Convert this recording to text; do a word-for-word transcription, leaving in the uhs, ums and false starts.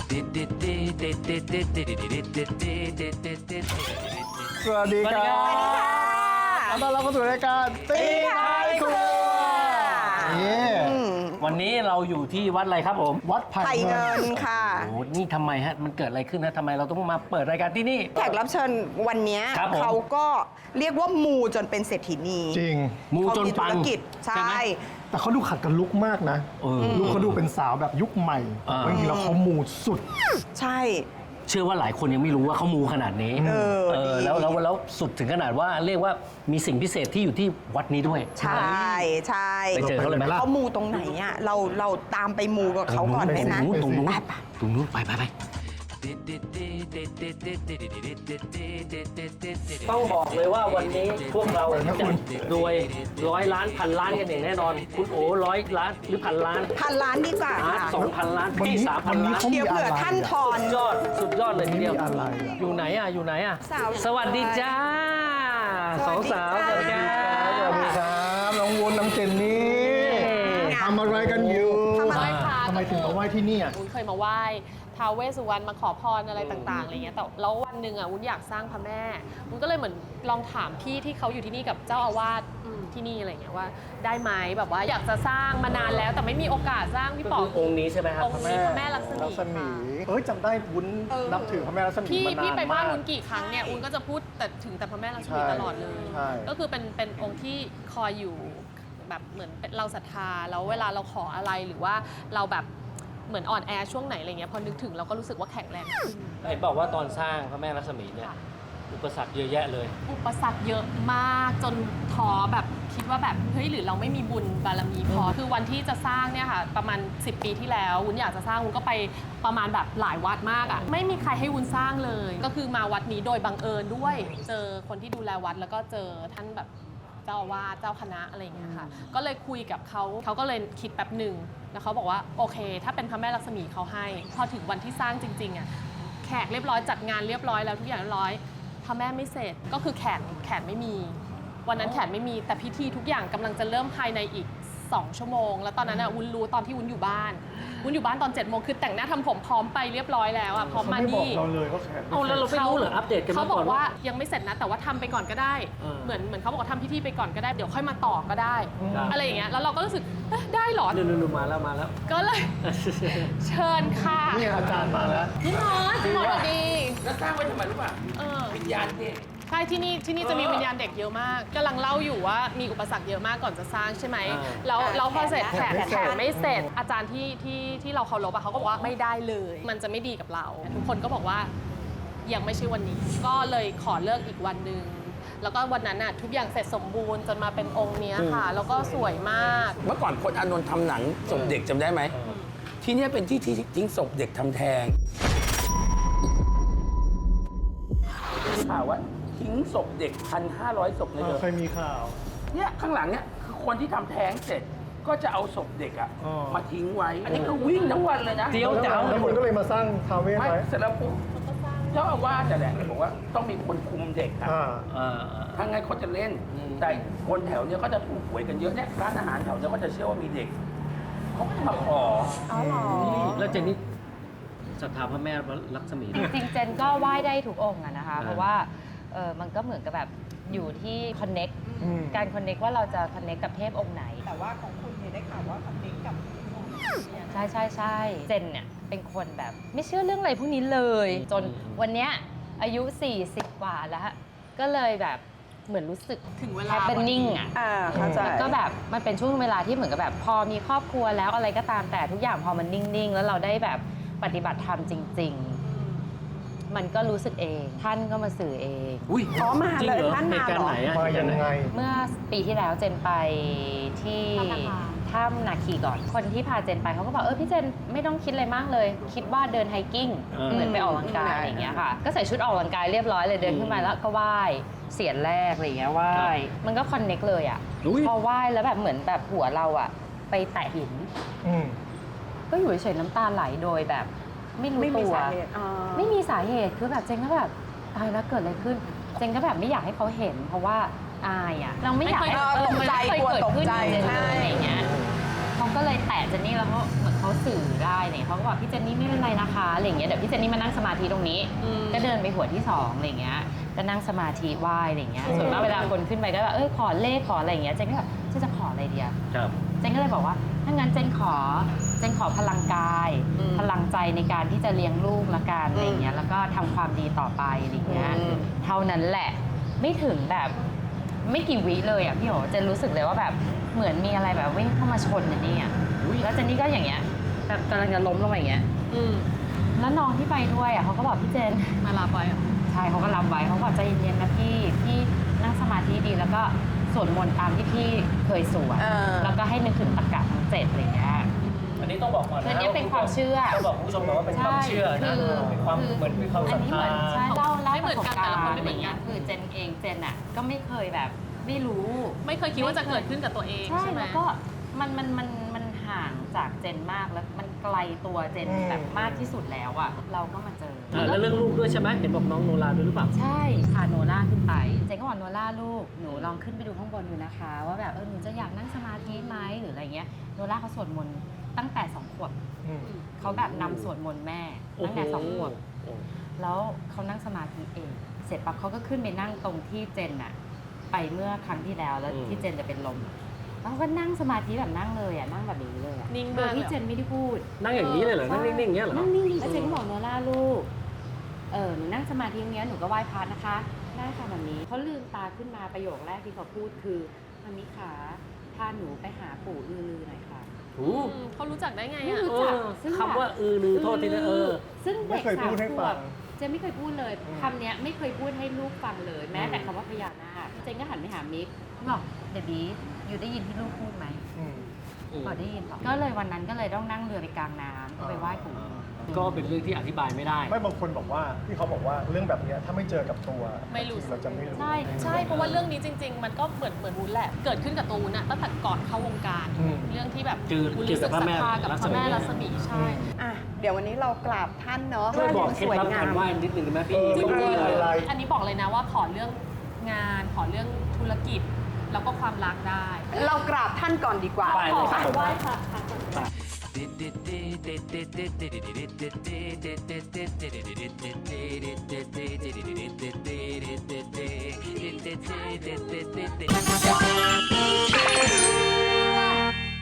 สวัสดีครับขอต้อนรับเข้าสู่รายการตีท้ายครัววันนี้เราอยู่ที่วัดอะไรครับผมวัดไผ่เงินค่ะโอ้นี่ทำไมฮะมันเกิดอะไรขึ้นนะทำไมเราต้องมาเปิดรายการที่นี่แขกรับเชิญวันนี้ครับผมเขาก็เรียกว่ามูจนเป็นเศรษฐีนีจริงมูจนปังเขามีธุรกิจใช่แต่เขาดูขัดกันลุกมากนะเออลุกเขาดูเป็นสาวแบบยุคใหม่อ่าจริงๆแล้วเขามูสุดใช่เชื่อว่าหลายคนยังไม่รู้ว่าเขามูขนาดนี้เออเออดีแล้วแล้วแล้วสุดถึงขนาดว่าเรียกว่ามีสิ่งพิเศษที่อยู่ที่วัดนี้ด้วยใช่ใช่ไปเจอเขาเลยไหมล่ะเขามูตรงไหนอ่ะเราเราตามไปมูกับเขาก่อนไหมนะตรงนู้นไปตรงนู้นไปไปไปต้องบอกเลยว่าวันนี้พวกเราจะรวยร้อยล้านพันล้านกันอย่างแน่นอน คุณโอ๋ร้อยล้านหรือพันล้านพันล้านดีกว่าอาร์ตค่ะสองพันล้านวันพี่นี้สามพัวัน นนี้ล้านเขามีเดี๋ยวอะเผื่อไรท่านทอนสุดยอดสุดยอดเลยทีเดียวมีอะไรอะอยู่ไหนอ่ะอยู่ไหนอ่ะสาวสวัสดีจ้าสองสาวสวัสดีครัสวัสดีครับ น้องวุ้นน้องเจนนี่ทำอะไรกันอยู่ทำอะไรค่ะทำไมถึงมาไหว้ที่นี่อ่ะวุ้นเคยมาไหว้ท้าวเวสสุวรรณมาขอพรอะไรต่างๆอะไรเงี้ยแต่แล้ววันหนึ่งอ่ะวุ้นอยากสร้างพระแม่วุ้นก็เลยเหมือนลองถามพี่ที่เขาอยู่ที่นี่กับเจ้าอาวาสอืมที่นี่อะไรเงี้ยว่าได้ไหมแบบว่าอยากจะสร้างมานานแล้วแต่ไม่มีโอกาสสร้างพี่ป๋ององค์นี้ใช่ไหมครับองค์นี้พระแม่ลักษมีลักษมีค่ะเอ้ยจำได้วุ้นเออนับถือพระแม่ลักษมีพี่มานานพี่ไปบ้านมากวุ้นกี่ครั้งเนี่ยวุ้นก็จะพูดแต่ถึงแต่พระแม่ลักษมีใช่ตลอดเลยใช่ก็คือเป็นเป็นองค์ที่คอยอยู่แบบเหมือนเราศรัทธาแล้วเวลาเราขออะไรหรือว่าเราแบบเหมือนอ่อนแอช่วงไหนอะไรเงี้ยพอนึกถึงเราก็รู้สึกว่าแข็งแรงขึ้นไอ้บอกว่าตอนสร้างพระแม่ลักษมีเนี่ยค่ะอุปสรรคเยอะแยะเลยอุปสรรคเยอะมากจนท้อแบบคิดว่าแบบเฮ้ยหรือเราไม่มีบุญบารมีพอคือวันที่จะสร้างเนี่ยค่ะประมาณสิบปีที่แล้ววุ้นอยากจะสร้างวุ้นก็ไปประมาณแบบหลายวัดมากอ่ะไม่มีใครให้วุ้นสร้างเลย ก็คือมาวัดนี้โดยบังเอิญด้วย เจอคนที่ดูแลวัดแล้วก็เจอท่านแบบเจ้าอาวาสเจ้าคณะอะไรอย่างเงี้ยค่ะก็เลยคุยกับเขาเขาก็เลยคิดแป๊บหนึ่งแล้วเขาบอกว่าโอเค ถ้าเป็นพระแม่ลักษมีเขาให้ พอถึงวันที่สร้างจริงๆอ่ะแขกเรียบร้อยจัดงานเรียบร้อยแล้วทุกอย่างเรียบร้อยพระแม่ไม่เสร็จก็คือแขนแขนไม่มี วันนั้นแขนไม่มีแต่พิธีทุกอย่างกำลังจะเริ่มภายในอีกสองชั่วโมงแล้วตอนนั้นอ่ะวุ้นรู้ตอนที่วุ้นอยู่บ้านวุ้นอยู่บ้านตอนเจ็ดโมงคือแต่งหน้าทำผมพร้อมไปเรียบร้อยแล้วอ่ะพร้อมมาเขาไม่บอกนี่เราเลยว่าแขกเอาแล้วเราไม่รู้เหรออัปเดตกันเขามาบก่ออนกว่าว่ายังไม่เสร็จนะแต่ว่าทำไปก่อนก็ได้เออเหมือนเหมือนเขาบอกว่าทำพิธีไปก่อนก็ได้เดี๋ยวค่อยมาต่อก็ได้ครับอะไรอย่างเงี้ยแล้วเราก็รู้สึกเอ๊ะได้เหรอนู่นๆมาแล้วมาแล้วก็เลย เชิญค่ะนี่อาจารย์มาแล้วพี่มอสพี่มอสสวัสดีแล้วสร้างไว้ทำไมรู้ป่ะเออวิญญาณเด็กใช่ที่นี่ที่นี่จะมีวิญญาณเด็กเยอะมากกำลังเล่าอยู่ว่ามีอุปสรรคเยอะมากก่อนจะสร้างใช่ไหมอ่าแล้วแล้วพอเสร็จแขแขกนไม่แขเสร็จกไม่เสร็จอาจารย์ที่ที่ที่เราเคารพอะเขาก็บอกว่าไม่ได้เลย มันจะไม่ดีกับเรา ทุกคนก็บอกว่ายังไม่ใช่วันนี้ ก็เลยขอเลิกอีกวันหนึ่งแล้วก็วันนั้นน่ะทุกอย่างเสร็จสมบูรณ์จนมาเป็นองค์เนี้ยค่ะ แล้วก็สวยมากเมื่อก่อนพจน์อานนท์ทำหนังศพเด็กจำได้ไหม ที่เนี่ยเป็นที่ที่ทิ้งศพเด็กทำแท้งข่าวว่าทิ้งศพเด็กพันห้าร้อยศพเลยเอเถออะเคยมีข่าวเนี่ยข้างหลังเนี่ยคือคนที่ทำแท้งเสร็จก็จะเอาศพเด็กอะอ๋อมาทิ้งไว้ อันนี้ก็วิ่งทั้งวันเลยนะเดี๋ยวแล้วเจ้าแล้วคนก็เลยมาสร้างทาวเวสไม่ไว้เสร็จแล้วปุ๊บเจ้าอาวาสแต่แหละบอกว่าต้องมีคนคุมเด็กอะอ่าอ่าถ้างั้นเขาจะเล่นอืมแต่คนแถวเนี้ยก็จะถูกหวยกันเยอะเนี่ยร้านอาหารแถวเนี้ยก็จะเชื่อว่ามีเด็กเขาก็จะมาขออ๋อเหรอแล้วเจนนี่ศรัทธาพระแม่ลักษมีจริงๆ เจนก็ไหว้ได้ทุกองค์อะนะคะอ่าเพราะว่าเออมันก็เหมือนกับแบบอยู่ที่คอนเน็กอืมการคอนเน็กว่าเราจะคอนเน็กกับเทพองค์ไหนแต่ว่าของคุณเนี่ยได้ข่าวว่าคอนเนคกับใช่ใช่ใช่เจนเนี่ยเป็นคนแบบไม่เชื่อเรื่องอะไรพวกนี้เลย จนวันเนี้ยอายุ สี่สิบ กว่าแล้ว ก็เลยแบบเหมือนรู้สึกถึงเวลาแฮปปี้นิ่งอ่ะอ่าเข้าใจแล้วก็แบบมันเป็นช่วงเวลาที่เหมือนกับแบบพอมีครอบครัวแล้วอะไรก็ตามแต่ทุกอย่างพอมันนิ่งๆ แล้วเราได้แบบปฏิบัติธรรมจริง ๆ มันก็รู้สึกเอง ท่านก็มาสื่อเองอุ้ยอ๋อมาจริงเลยเหรอท่านเหมาตุการเหรอณ์ไหนอะมายังไงเมื่อปีที่แล้วเจนไปที่ถ้ำนาคีก่อน คนที่พาเจนไปเขาก็บอกเออพี่เจนไม่ต้องคิดอะไรมากเลย คิดว่าเดินไฮกิ้งเออเหมือนไปออกกำลังกายอะไรอย่างเงี้ยค่ะ ก็ใส่ชุดออกกำลังกายเรียบร้อยเลยเดินขึ้นมาแล้วก็ไหว้เสียนแรกอะไรอย่างเงี้ยไหว้มันก็คอนเน็กเลยอ่ะอุ้ยพอไหว้แล้วแบบเหมือนแบบหัวเราอ่ะไปแตะหินอืมก็อยู่เฉยๆน้ำตาไหลโดยแบบไม่รู้ไม่มีตัวสาเหตุอ่าไม่มีสาเหตุคือแบบเจนก็แบบตายแล้วเกิดอะไรขึ้น เจนก็แบบไม่อยากให้เขาเห็น เพราะว่าอายอ่ะเราไม่อยากให้ไม่เคยเออตกใจมันไม่เคยกลัวเกิดขึ้นตกใจกับเจนใช่เลยอะไรอย่างเงี้ยเขาก็เลยเลยแตะเจนนี่แล้วเขาเหมือนเขาสื่อได้เนี่ยเขาก็บอกพี่เจนนี่ไม่เป็นไรนะคะอะไรอย่างเงี้ยเดี๋ยวพี่เจนนี่มานั่งสมาธิตรงนี้อืมก็เดินไปหัวที่สองอะไรอย่างเงี้ยก็นั่งสมาธิไหว้อะไรอย่างเงี้ยส่วนมากเวลาคนขึ้นไปก็แบบเอ้ยขอเลขขออะไรอย่างเงี้ยเจนก็แบบเจนจะขออะไรดีอะครับเจนก็เลยบอกว่าถ้างั้นเจนขอเจนขอพลังกายอืมพลังใจในการที่จะเลี้ยงลูกละกันอะไรอย่างเงี้ยแล้วก็ทำความดีต่อไปอะไรอย่างเงี้ยอืมเท่านั้นแหละไม่ถึงแบบไม่กี่วิเลยอ่ะพี่โหเจนรู้สึกเลยว่าแบบเหมือนมีอะไรแบบวิ่งเข้ามาชนเจนนี่อ่ะแล้วเจนนี่ก็อย่างเงี้ยแบบกำลังจะล้มลงไปอย่างเงี้ยอืมแล้วน้องที่ไปด้วยอ่ะเขาก็บอกพี่เจนมาลาไปอ่ะใช่เขาก็รับไว้เขาบอกใจเย็นๆนะพี่พี่นั่งสมาธิดีแล้วก็สวดมนต์ตามที่พี่เคยสวดเออแล้วก็ให้นึกถึงตรรกะทั้งเจ็ดอะไรอย่างเงี้ยอันนี้ต้องบอกก่อนนะอันนี้เป็นความเชื่อต้องบอกคุณผู้ชมก่อนว่าเป็นความเชื่อนะใช่คือเป็นความคือเหมือนเป็นความศรัทอันนี้เหธามือนใช่เล่าเล่าไม่เหมือนกันแต่ละคนไม่เหมือนกันคือเจนเองเจนอ่ะก็ไม่เคยแบบไม่รู้ไม่เคยคิดว่าจะเกิดขึ้นกับตัวเองใช่ใช่ไหมแล้วก็มันมันมันมันห่างจากเจนมากแล้วมันไกลตัวเจนอืมแบบมากที่สุดแล้วอ่ะเราก็มาเจออ่าแล้วเรื่องลูกด้วยใช่ไหมเห็นบอกน้องโนราด้วยหรือเปล่าใช่พาโนล่าขึ้นไปเจนก็บอกโนล่าลูกหนูลองขึ้นไปดูข้างบนดูนะคะ ว่าแบบเออหนูจะอยากนั่งสมาธิไหมหรืออะไรเงี้ยโนล่าเขาสวดมนต์ตั้งแต่สองขวบอืมเขาแบบนำสวดมนต์แม่ตั้งแต่สองขวบโอ้โหแล้วเขานั่งสมาธิเอง เสร็จปั๊บเขาก็ขึ้นไปนั่งตรงที่เจนอะไปเมื่อครั้งที่แล้วแล้วที่เจนจะเป็นลมแล้วเขาก็นั่งสมาธิแบบนั่งเลยอะนั่งแบบนี้เลยอะนิ่งโดมาย กที่เลยเจนไม่ได้พูดนั่งอย่างนี้เลยเหรอ นั่งนิ่งๆอย่างเงี้ยเหรอนั่งนิ่งแล้วเจนก็บอกโนล่าลูก เออหนูนั่งสมาธิอย่างเงี้ยหนูก็ไหว้พระนะคะได้ค่ะแบบนี้เขาลืมตาขึ้นมาประโยคแรกที่เขาพูดคือมัมมี่ขาพาหนูไปหาปู่อือลือหน่อยค่ะโอ้อืมเขารู้จักได้ไงไม่อ่ะรู้จักเออซึ่งแบบคำว่าอือลือโทษทีนะเออซึ่งไม่เด็กเคยสาพูมดให้ขฟัวงบเจนไม่เคยพูดเลยอืมคำเนี้ยไม่เคยพูดให้ลูกฟังเลย แม้แต่คำว่าพญานาคเจนก็หันไปหามิกบอกเบบี้อยู่ได้ยินที่ลูกพูดไหมอืมบอกได้ยินบอกก็เลยวันนั้นก็เลยต้องนั่งเรือไปกลางน้ำก็ไปไหว้ปู่ก็เป็นเรื่องที่อธิบายไม่ได้ไม่บางคนบอกว่าที่เขาบอกว่าเรื่องแบบเนี้ยถ้าไม่เจอกับตัวไม่รู้เราจะไม่รู้ใช่ใช่เพราะว่าเรื่องนี้จริง ๆ มันก็เหมือนเหมือนวุ้นแหละ เกิดขึ้นกับตัววุ้นอะตั้งแต่ก่อนเข้าวงการอืมเรื่องที่แบบเจอวุ้นเกี่ยวกับพระแม่ศรัทธากับพระแม่รัศมีใช่อ่ะเดี๋ยววันนี้เรากราบท่านเนาะช่วยบอกเคล็ดสวยลับงากาม รไหว้นิดนึงได้ไหมพี่เออจริงต้องไหว้อะไรๆอันนี้บอกเลยนะว่าขอเรื่องงานขอเรื่องธุรกิจ แล้วก็ความรักได้เรากราบท่านก่อนดีกว่าไปเลยครับขอไหว้พระ Thank you.